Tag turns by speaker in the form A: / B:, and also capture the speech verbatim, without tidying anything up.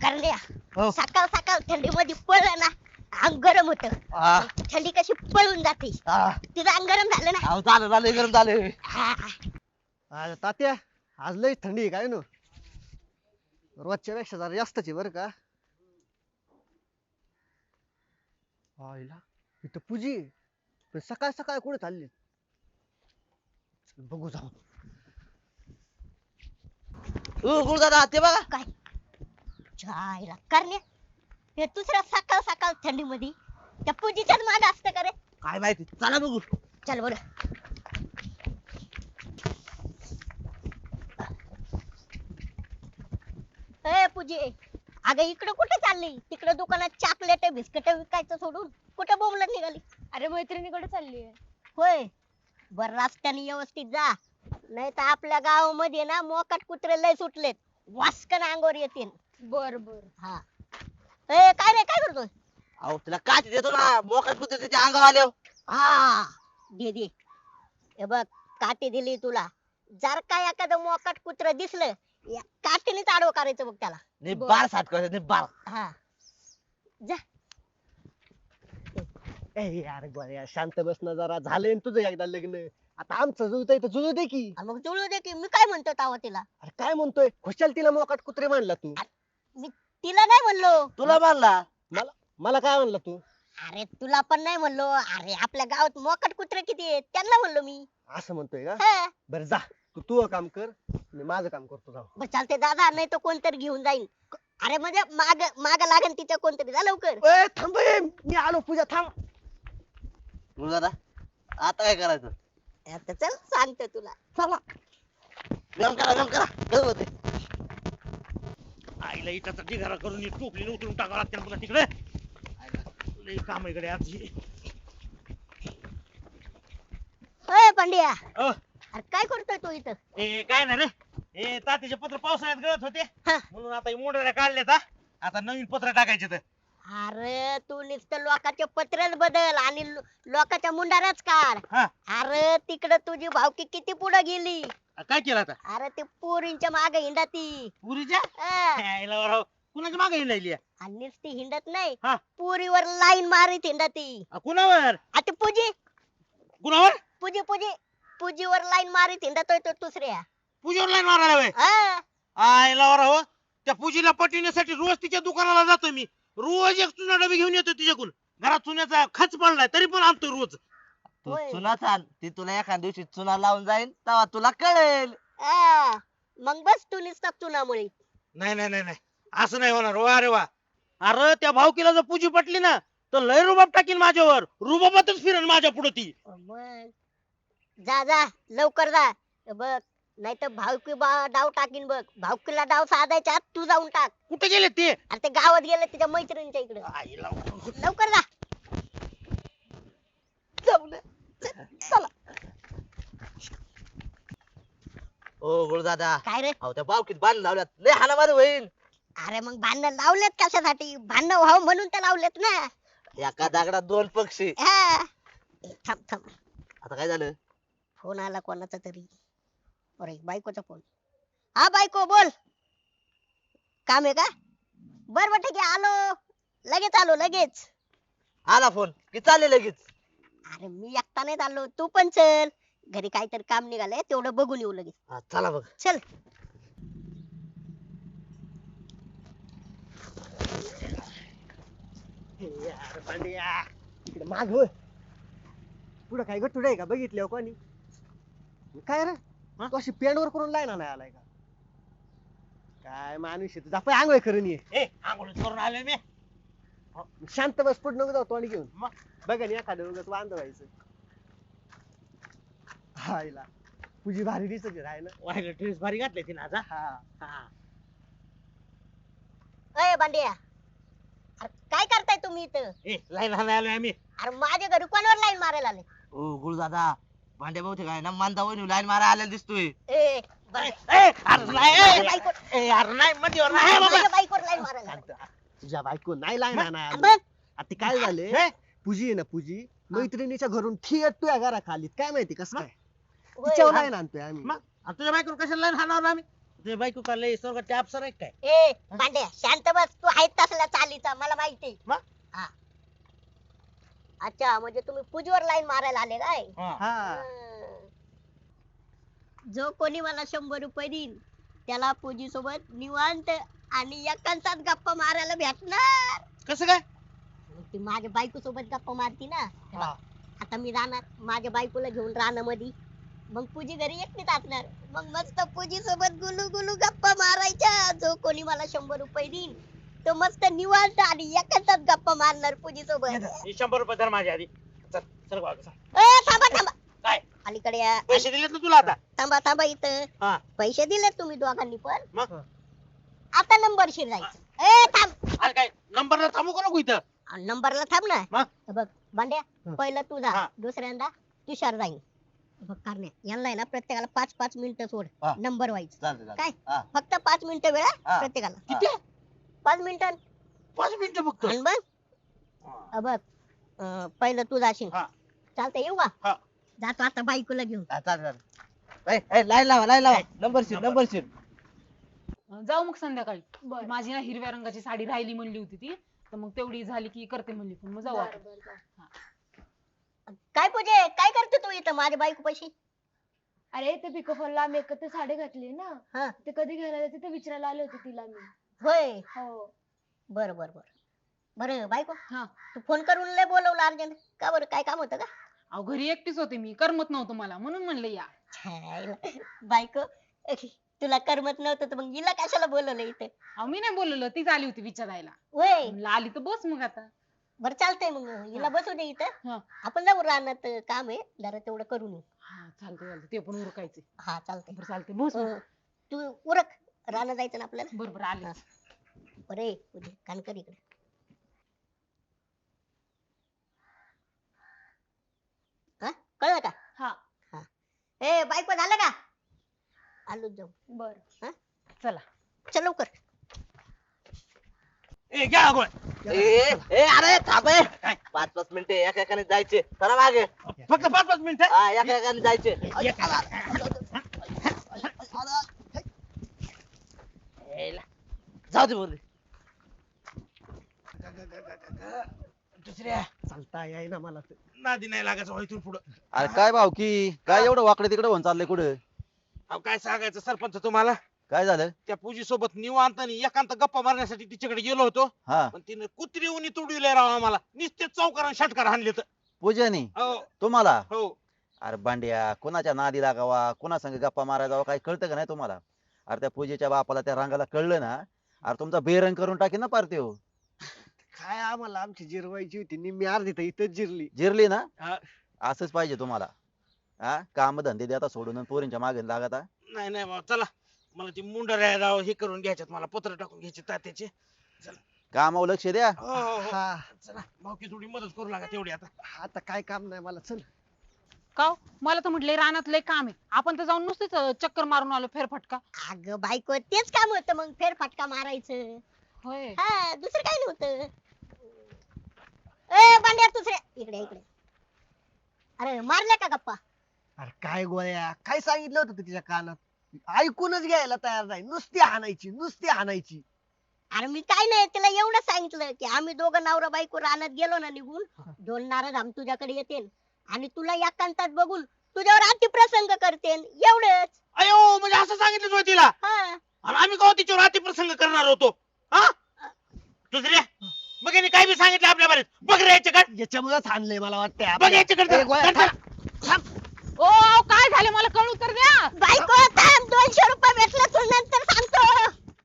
A: करण्या
B: हो.
A: सकाळ सकाळ थंडी मध्ये पळलं ना अंग गरम होत.
B: हा.
A: थंडी कशी पळून जाते.
B: हा.
A: तिचं अंग गरम झालं ना.
B: अहो झालं झालं गरम झालं.
A: हा.
C: अरे तात्या आज लय थंडी आहे काय नो रोजच्या पेक्षा जरा जास्तच आहे बरं का. आईला इथं पूजी आहे. पण सकाळ सकाळ कुठे चालली चल बघू जाऊ.
B: ओ गुरुदादा ते बघा.
A: काय जायला करण्या हे दुसऱ्या सकाळ सकाळ थंडी मध्ये त्या पूजीच्याच माग असतं का रे.
B: काय माहिती चला बघू.
A: चल बर. ए पूजी अगं इकडं कुठे चालली. तिकडं दुकानात चॉकलेट बिस्किट विकायचं सोडून कुठे बोंबलत निघाली.
D: अरे मैत्रिणीकडे चालली आहे.
A: होय बर रस्त्याने व्यवस्थित जा नाही तर आपल्या गावामध्ये ना मोकाट कुत्रे लय सुटलेत. वास्कन अंगावर येतील.
D: बर बर.
A: हा ए काय रे काय करतोय.
B: अहो तिला काठी देतो ना मोकाट कुत्रे त्याच्या अंगावर आल्यावर.
A: हा दे दे. हे बघ काठी दिली तुला. जर का एखादं मोकाट कुत्र दिसलं या काठीनेच आडवं करायचं बघ त्याला.
B: निब्बार साठ करायचं निब्बार.
A: हा जा.
C: ए यार गोळ्या शांत बस ना जरा झालंय ना तुझं एकदा लग्न. आता आमचं जुळत तर जुळू दे की.
A: आणि मग जुळू दे की. मी काय म्हणतो तावा तिला.
C: अरे काय म्हणतोय खुशाल तिला मोकाट कुत्रे म्हणला तू.
A: मी तिला नाही म्हणलो.
B: तुला मानला.
C: मला मला काय म्हणला तू.
A: अरे तुला पण नाही म्हणलो. अरे आपल्या गावात मोकाट कुत्रे किती आहेत त्यांना म्हणलो मी.
C: असं म्हणतोय का.
A: हा.
C: बरं जा तू तू काम कर मी माझं काम करतो जाऊ.
A: बरं चालते दादा नाही तर कोणतरी घेऊन जाईल. अरे म्हणजे माग माग लागेल तिच्या कोणतरी. जा लवकर.
C: ए थांब ए, मी आलो पूजा थांब.
B: गुरुदादा आता काय करायचं.
A: आता चल सांगतो तुला.
C: चला
B: गरम करा गरम करा गरम होते.
E: आईला इटाचा ढिगारा करून ही टोपली उतरून टाकावं लागते पुन्हा तिकडे. आईला लई काम आहे इकडे आज.
A: अय पांड्या
E: अ,
A: अरे काय करतोय तू इथं.
E: ए काय नाही रे. ए तातीचे पत्र पावसाळ्यात गळत होते
A: हा.
E: म्हणून आता मोडऱ्या काढल्यात. हा. आता नवीन पत्र टाकायचे तर.
A: अरे तू नुसतं लोकांचे पत्रच बदल आणि लो- लोकांच्या मुंडाराच काढ.
E: हा.
A: अरे तिकडे तुझी भावकी किती पुढे गेली.
E: काय केलं आता
A: अरे ते पोरींच्या मागे हिंडा ती.
E: पुरीच्या
A: हा.
E: आईला राव कुणाच्या मागे हिंडायली आहे?
A: आणि नुसती हिंडत नाही
E: हा.
A: पुरीवर लाईन मारीत हिंडा ती.
E: आ, कुणावर
A: आता पूजी
E: कुणावर
A: पूजी पूजी पूजीवर लाईन मारीत हिंडतोय तो दुसऱ्या.
E: पूजेवर लाईन मारायला वय.
A: हा.
E: आईला राव त्या पूजेला पटविण्यासाठी रोज तिच्या दुकानाला जातो मी. रोज एक चुना डबी घेऊन येतो तिच्याकडून. घरात चुन्याचा खच पडलाय तरी पण आणतो रोज.
B: तू
A: होय.
B: चुना छान ती तुला एखाद्या दिवशी चुना लावून जाईल तेव्हा तुला कळेल.
A: हा. मग बस तू नुसता चुनामुळे.
E: नाही नाही नाही नाही असं नाही होणार. वा रे वा. अरे त्या भावकीला जर पूजी पटली ना तर लय रुबाब टाकीन माझ्यावर. रुबाबातच फिरेन माझ्या पुढे ती.
A: मग जा जा लवकर जा. बघ नाही तर भावकी बा- डाव टाकीन बघ. भावकीला डाव साधायच्या आत तू जाऊन टाक.
E: कुठे गेले ते.
A: अरे ते गावात गेले तिच्या मैत्रिणीच्या इकडे.
E: आईला
A: लवकर जा.
B: ओ गुरुदादा
A: काय रे.
B: अहो त्या बावकीत बांध लावल्यात लय हाणामारी होईल.
A: अरे मग भांडण लावलेत कशासाठी. भांडण व्हावं म्हणून तर लावलेत ना.
B: एका दगडात दोन पक्षी.
A: हा. ए, थांब थांब
B: आता काय झालं.
A: फोन आला कोणाचा तरी. अरे बायकोचा फोन. हा बायको बोल. काम आहे का. बर बर ठीक आहे आलो. लगेच आलो लगेच.
B: आला फोन की चालले लगेच.
A: अरे मी एकटा नाही चाललो तू पण चल. घरी काहीतरी काम निघालंय तेवढं बघून येऊ लगेच.
B: हा, चला बघ.
A: चल.
C: यार पांड्या इकडे माग होय. पुढं काय गट्टूड आहे का बघितलं कोणी. काय रे
E: हा?
C: तू अशी पेंडवर करून लाईना नाही आलाय का. काय माणूस आहे तुझा आंघोळ करून ये.
E: ए आंघोळ करून आले मी.
C: शांत बस पुढे नको जाऊ तोंड घेऊन.
E: मग?
C: बघा ना एखादं उगाच वांद व्हायचं. हायला तुझी भारी दिसत आहे ना.
E: वाहिला ड्रेस भारी घातले तिने आज. हा.
C: हा
E: हा.
A: अय बांडिया अरे काय करताय तुम्ही इथं.
E: ए लाईन हाणायला आलोय आम्ही.
A: अरे माझ्या घरी कोणावर लाईन मारायला आले.
B: ओ गुरुदादा भांड्या बहुतेक आहे ना मानता वहिनी लाईन मारा आलेला दिसतोय.
A: ए बरं.
E: ए अरे नाही ए,
A: माझ्या बायको-
E: ए अरे नाही मध्ये नाही बाबा.
A: माझ्या बायकोवर लाईन मारायला आले.
C: तुझ्या बायको नाही लाईन नाही
A: बघ.
C: आता काय झाले
E: हे?
C: पूजी आहे ना पूजी मैत्रिणीच्या घरून थिएट तुझ्या घरा खाली काय माहिती कसं काय
A: होय.
C: तिच्यावर लाईन आणतोय आम्ही.
E: मग आणि तुझ्या बायकोवर कशाला लाईन हाणावं आम्ही. तुझी बायको का लय स्वर्गात अप्सरा आहे काय?
A: ए भांड्या शांत बस, तू आहेत तसला चालीचा मला माहिती.
E: मग?
A: हा अच्छा, म्हणजे तुम्ही पूजीवर लाईन मारायला आले काय?
E: हा.
C: हा
A: हं. जो कोणी मला शंभर रुपये देईल त्याला पूजी सोबत निवांत आणि एकांतात गप्पा मारायला भेटणार.
E: कसं काय?
A: ती माझ्या बायको सोबत गप्पा मारती ना.
E: हा.
A: आता मी राहणार माझ्या बायकोला घेऊन रानामध्ये, मग पूजी घरी एकटीच असणार. मग मस्त पूजी सोबत गुलू गुलू गप्पा मारायच्या. जो कोणी मला शंभर रुपये देईल तो मस्त निवांत आणि एकांतात गप्पा मारणार पूजी सोबत.
E: हे शंभर रुपये धर माझ्या आधी. चल चल बाबा, चल.
A: थांबा थांबा,
E: काय
A: अलीकडे या.
E: पैसे दिलेत ना तुला आता?
A: थांबा थांबा इथं.
E: हा.
A: पैसे दिले तुम्ही दोघांनी पण.
E: मग
A: आता नंबरशीर जायचं. ए थांब,
E: अरे काय नंबरला थांबू का नको इथं?
A: नंबरला थांब ना.
E: मग?
A: हे बघ भांड्या,
C: हं.
A: पहिलं तू जा,
E: हा.
A: दुसऱ्यांदा तुषार जाईल. बघ कारण्या, यांना आहे ना प्रत्येकाला पाच पाच मिनिटं सोड
B: हा.
A: नंबर व्हायचं.
B: चालतंय चालतंय.
A: काय
B: हा.
A: फक्त पाच मिनिटं वेळ हा,
B: हा.
A: प्रत्येकाला.
E: किती?
A: पाच मिनिटं.
E: पाच मिनिटं फक्त.
A: आणि मग हे बघ, अं, पहिलं तू जाशील.
E: हा.
A: चालतंय, येऊ का?
E: हा.
A: जातो आता बायकोला घेऊन.
B: हा, चालतंय चालतंय. ए, ए, लाईन लावा लाईन लावा. Number sheet number sheet.
F: जाऊ मग संध्याकाळी.
D: बर.
F: माझी ना हिरव्या रंगाची साडी राहिली म्हणली होती ती, तर मग तेवढी झाली की करते म्हणली फोन, मग जाऊ
D: बर,
F: आपण.
D: बर, बर.
A: काय पूजे, काय करते तू इथं माझ्या बायको पाशी?
D: अरे ते पिको फॉलला आम्ही एकत्र साडी घातली ना,
A: हा.
D: ते कधी घ्यायला जाते ते विचारायला आले होते तिला मी.
A: होय,
D: हो.
A: बर बर बर. बरं बायको,
F: हा.
A: तू फोन करून लय बोलवलं अर्जंट का? बरं काय काम होतं का?
F: अहो घरी एकटीच होते मी, करमत नव्हतं मला, म्हणून म्हणलं या.
A: छायला. बायको, तुला करमत नव्हतं तर मग हिला कशाला बोलवलं इथे?
F: अहो मी नाही बोलवलं, तीच आली होती विचारायला.
A: वय
F: म्हणलं आली तर बस मग आता.
A: बर, चालतंय मग हिला बसू दे इथं.
F: हा.
A: आपण जाऊ रानात, काम आहे जरा तेवढं करून येऊ.
F: हा चालतंय चालतंय, ते पण उरकायचे.
A: हा चालतंय.
F: बरं चालतंय, बस मग.
A: अं, तू उरक, रानात जायचं ना आपल्याला.
F: बरं बरं आले.
A: हा. बरे उद्या कानकर इकडे. हा, कळलं का?
D: हा.
A: ए बायको, झालं का? आलो जाऊ.
D: बर.
F: चला.
A: चल लवकर.
E: ए घ्या आगोळ.
B: ए ए अरे थांब ए. पाच पाच मिनिटं एका एकाने जायचे. चला मागे.
E: फक्त पाच पाच मिनिटं.
B: हा एका एकाने जायचे. ए, ला. जाऊ दे बोल.
E: दुसऱ्या
C: चालता याय ना मला तर.
E: नादी नाही लागायचं हो इथून पुढं.
G: अरे काय भाऊ की काय एवढं वाकडे तिकडे होऊन चाललंय कुठं?
E: अहो काय सांगायचं सरपंच तुम्हाला,
G: काय झालं?
E: त्या पूजी सोबत निवांत आणि एकांत गप्पा मारण्यासाठी तिच्याकडे गेलो होतो,
G: हा
E: पण तिने कुत्री उनी तुडविले राव आम्हाला. नुसते चौकार षटकार हाणले तर.
G: पूजानी
E: हो
G: तुम्हाला?
E: हो.
G: अरे बांड्या, कोणाच्या नादी लागावा, कोणा संग गप्पा मारायला जावा, काही कळतं का नाही तुम्हाला? अरे त्या पूजेच्या बापाला त्या रंगाला कळलं ना, अरे तुमचा बेरंग करून टाकेन ना पार त्यो.
C: काय आम्हाला आमची जिरवायची होती, निम्मी अर्धी तर इथंच जिरली.
G: जिरली ना?
E: हा.
G: असंच पाहिजे तुम्हाला. हा, काम धंदे द्या आता सोडून आणि पोरींच्या मागे लागता.
E: नाही नाही बाबा, चला मला ती मुंडऱ्या राव हे करून घ्यायच्यात, मला पत्र टाकून घ्यायचे तात्याचे.
G: कामावर लक्ष द्या.
E: हो हो हो.
C: हा,
E: चला भाऊकी थोडी मदत करू लागा तेवढी आता.
C: आता काय काम नाही मला, चल.
F: का हो? मला तर म्हटलंय रानात लय काम आहे, आपण तर जाऊन नुसतेच अं, चक्कर मारून आलो फेरफटका.
A: अगं बायको, तेच काम होतं मग, फेरफटका मारायचं.
F: होय.
A: हा, दुसरं काय नव्हतं. ए बांड्या, दुसऱ्या इकडे इकडे. अरे मारल्या का गप्पा?
C: अरे काय गोळ्या, काय सांगितलं होतं तू तिच्या कानात? ऐकूनच घ्यायला तयार नाही, नुसती हाणायची नुसती हाणायची.
A: अरे मी काय नाही, तिला एवढं सांगितलं की आम्ही दोघं नवरा बायको रानात गेलो ना निघून, दोन नारद आम तुझ्याकडे येतील आणि तुला एकांतात बघून तुझ्यावर अतिप्रसंग करते, एवढंच.
E: अयो, म्हणजे असं सांगितलं होतं तिला?
A: हा.
E: आणि आम्ही का तिच्यावर अतिप्रसंग करणार होतो? हा दुसऱ्या मग यांनी काय बी सांगितलं आपल्या बारीत? बघ रे याच्याकडे,
C: याच्यामुळेच हाणलंय मला वाटतंय
E: बघ
C: आपल्या.
E: याच्याकडे.
C: ए, गोळ्या,
E: चल, चल.
F: ओ अहो, काय झालं मला कळू तर द्या.